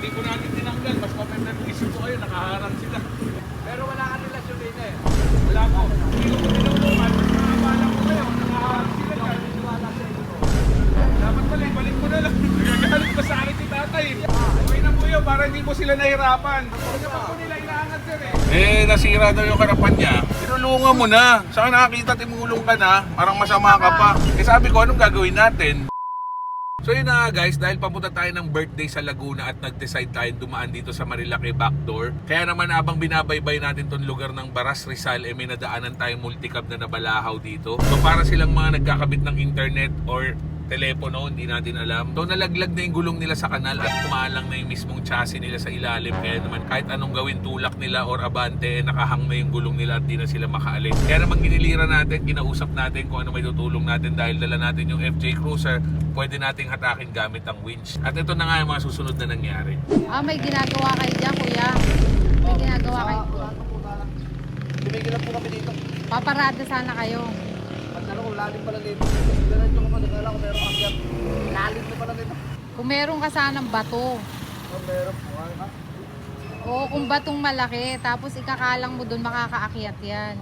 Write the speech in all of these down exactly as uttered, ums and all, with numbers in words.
Hindi ko natin tinanggal. Mas mapipag-isip ko kayo, nakaharang sila. Pero wala ka relasyon din eh. Wala po. Hindi ko tinulungan. Mas nakabala ko kayo, nakaharang sila dyan. Wala sa inyo. Dapat pala, ibalik mo na lang. Nagagalit pa sa akin si tatay. Okay na po yun, para hindi po sila nahirapan. Kasi pa po nila inaangat sir eh. Eh, nasira daw yung harapan niya. Tinulungan mo na. Saka nakakita, timulong ka na. Parang masama ka pa. Eh sabi ko, anong gagawin natin? So yun na nga guys, dahil papunta tayo ng birthday sa Laguna at nag-decide tayo dumaan dito sa Marilake Backdoor. Kaya naman habang binabaybay natin tong lugar ng Baras Rizal, eh may nadaanan tayong multicab na nabalahaw dito. So para silang mga nagkakabit ng internet or telepono, hindi natin alam. So nalaglag na yung gulong nila sa kanal at kumalang na yung mismong chassis nila sa ilalim. Kaya naman kahit anong gawin, tulak nila or abante, eh, nakahang na yung gulong nila at di na sila makaalis. Kaya naman giniliran natin, kinausap natin kung ano may tutulong natin dahil dala natin yung F J Cruiser, pwede nating hatakin gamit ang winch. At ito na nga yung mga susunod na nangyari. Ah, may ginagawa kayo dyan, kuya. May ginagawa kayo. Tumigil lang po kami dito. Paparada sana kayo. Pagkala ko, lalim pala dito. Diretso ko pa, nagkala ko meron akyat. Lalim na pala dito. Kung meron ka sanang bato. Oh, meron po. Ha? O kung batong malaki, tapos ikakalang mo dun, makakaakyat yan.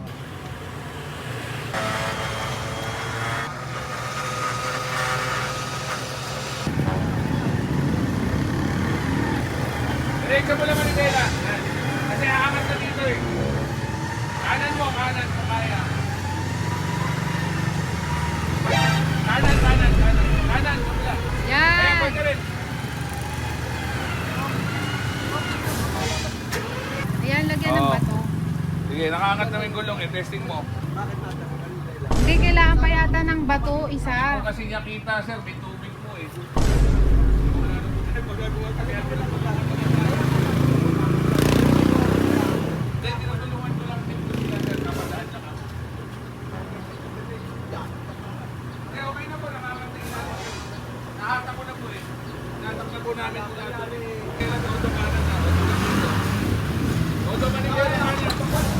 Diretso mo lang Manila. Kasi aangat na dito eh. Kanan mo, kanan mo kaya. Kanan, kanan, kanan. Kanan, kabila. Kaya Yan! pwede rin. Ayan, lagyan ng Oo. bato. Sige, nakaangat na yung gulong eh. Testing mo. Bakit natin? Anong dahilan? Hindi, kailangan pa yata ng bato, isa. Ako kasi niya kita sir, may tubig po eh. Hindi, tinutulungan ko lang din po sila sir. Napadaan na ka. Eh, okay na po, nakakating na. Nahatak ko na po eh. Nahatak na po namin po natin. Kailan na auto kanan na. Auto kanan na. Kanan,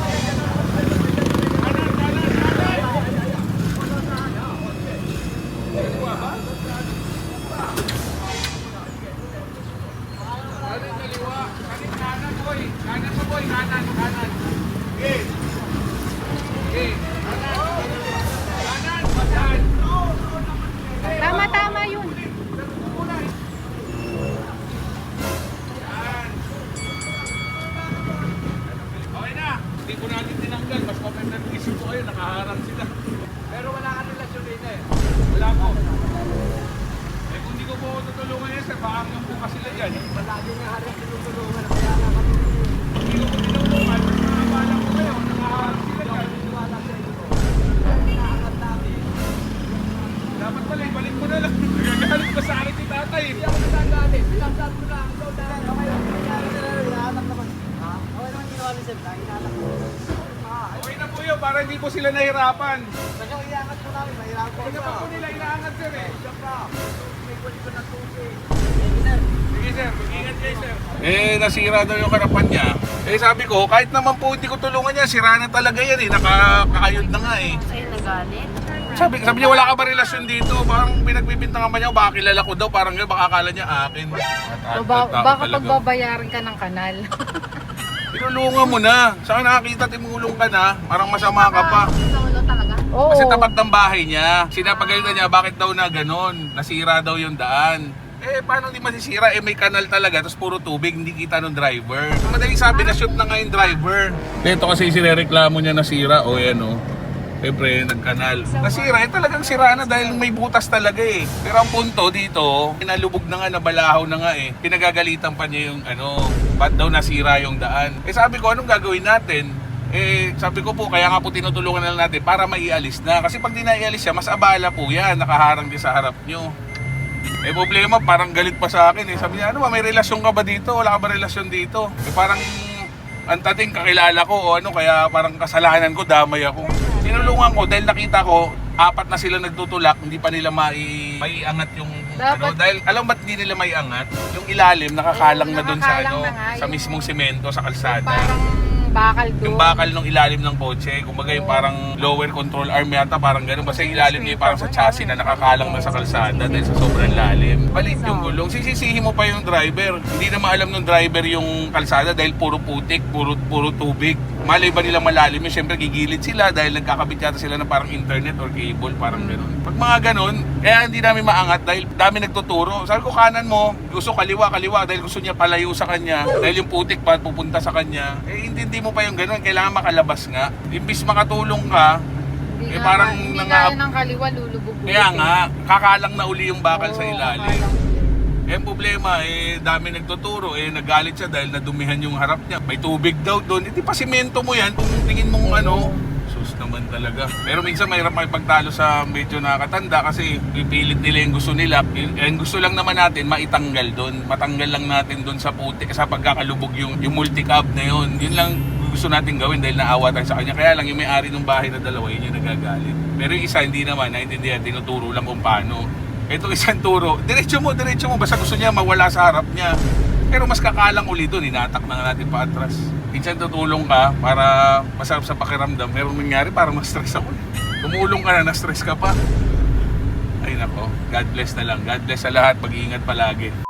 kanan, kanan. Kaliwa ba? Kanan, kaliwa. Kanan, kanan, boy. Kanan pa, boy. Kanan, kanan. Okay. Okay. Kanan. Kanan, kanan. Tama, tama yun. Yan. Okay na. Hindi ko natin tinanggal. Mas mapipag-isip ko kayo. Nakaharang sila. Pero wala ka relasyon din eh. Wala po. Eh kung di ko po tutulungan yan sir, baka hanggang bukas sila dyan. Palagi nga harap tinutulungan. Kaya nga kami. Hindi ko po tinulungan, mas nakabala ko kayo. Nakaharang sila dyan. Wala sa inyo. Inaangat namin. Dapat pala, ibalik mo na lang. Nagagalit pa sa akin si tatay. Hindi ako nagagalit. Pinagsabi ko na. Ikaw dahil. Okay lang. Hinahanap naman. Ha? Okay naman ginawa ni Sir. Hinahanap ko. Ah, Okay na po yun, para hindi po sila nahirapan. Kasi ang iangat ko namin. Mahirap ko. Kasi pa po nila inaangat sir eh. Siya pa. May kulit ko ng tubig. Sige sir, mag-ingat kayo sir. Eh, nasira daw yung harapan niya. Eh sabi ko, kahit naman po hindi ko tulungan niya, sira na talaga yan eh. Nakakayod na nga eh. Sa'yo nagalit? Sabi, sabi niya, wala ka ba relasyon dito? Parang pinagbibintangan pa niya, baka kilala ko daw, parang yun, baka akala niya akin. O ba, baka pagbabayaran ka ng kanal. Tinulungan mo na. Saka nakakita, timulong ka na, parang masama ka pa. Sa ulo talaga? Oo. Kasi tapat ng bahay niya. Sinapagalitan niya, bakit daw na ganon? Nasira daw yung daan. Eh, paano hindi masisira? Eh, may kanal talaga, tapos puro tubig, hindi kita ng driver. Madaling sabi, na-shoot na nga yung driver. Ito kasi sinereklamo niya nasira, o yan o. Siyempre, nagkanal. Nasira, eh talagang sira na dahil may butas talaga eh. Pero ang punto dito, nalubog na nga, nabalahaw na nga eh. Pinagagalitan pa niya yung ano, ba't daw nasira yung daan. Eh sabi ko, anong gagawin natin? Eh sabi ko po, kaya nga po tinutulungan na lang natin para maialis na. Kasi pag di naialis siya, mas abala po yan, nakaharang din sa harap nyo. Eh problema, parang galit pa sa akin eh. Sabi niya, ano ba, may relasyon ka ba dito? Wala ka ba relasyon dito? Eh parang ang tating kakilala ko o ano, kaya parang kasalanan ko, damay ako. Tinulungan ko dahil nakita ko, apat na sila nagtutulak, hindi pa nila mai maiangat yung ano. Dapat- Dahil alam ba't hindi nila maiangat? Yung ilalim, nakakalang Oo, na doon sa nakakalang ano, na nga sa yung- mismong semento, sa kalsada. Parang yung bakal doon. Yung bakal ng ilalim ng kotse, kumbaga yung parang lower control arm yata, parang gano'n. Basta yung ilalim niya yung parang sa chassis na nakakalang na sa kalsada dahil sa sobrang lalim. Palit yung gulong. Sisisihin mo pa yung driver. Hindi na maalam ng driver yung kalsada dahil puro putik, puro, puro tubig. Malay ba nilang malalim yun? Siyempre gigilid sila dahil nagkakabit yata sila ng parang internet or cable, parang gano'n. Pag mga gano'n, kaya hindi namin maangat dahil dami nagtuturo. Sabi ko kanan mo, gusto kaliwa, kaliwa dahil gusto niya palayo sa kanya. Dahil yung putik pa pupunta sa kanya. Eh, hindi mo pa yung gano'n. Kailangan makalabas nga. Imbis makatulong ka, Hindi eh, na- parang hindi nanga- kaya ng kaliwa, lulubog. kaya nga, kakalang na uli yung bakal sa Oo, ilalim. kakalang. Eh, ang problema, eh, dami nagtuturo, eh, nagalit siya dahil nadumihan yung harap niya. May tubig daw doon. Hindi pa simento mo yan kung tingin mong ano. Sus naman talaga. Pero minsan mahirap makipagtalo sa medyo nakakatanda kasi pipilit nila yung gusto nila. Yung, yung gusto lang naman natin, maitanggal doon. Matanggal lang natin doon sa puti, sa pagkakalubog yung, yung multi-cab na yun. Yun lang gusto natin gawin dahil naawa tayo sa kanya. Kaya lang yung may-ari ng bahay na dalawa, yun yung nagagalit. Pero yung isa hindi naman, naintindihan, tinuturo lang kung paano. Itong isang turo, diretso mo, diretso mo, basta gusto niya mawala sa harap niya. Pero mas kakalang uli doon, inatak na nga natin pa atras. Minsan tutulong ka para masarap sa pakiramdam, pero nangyari parang ma-stress ako. Tumulong ka na, na-stress ka pa. Ay nako, God bless na lang. God bless sa lahat, mag-iingat palagi.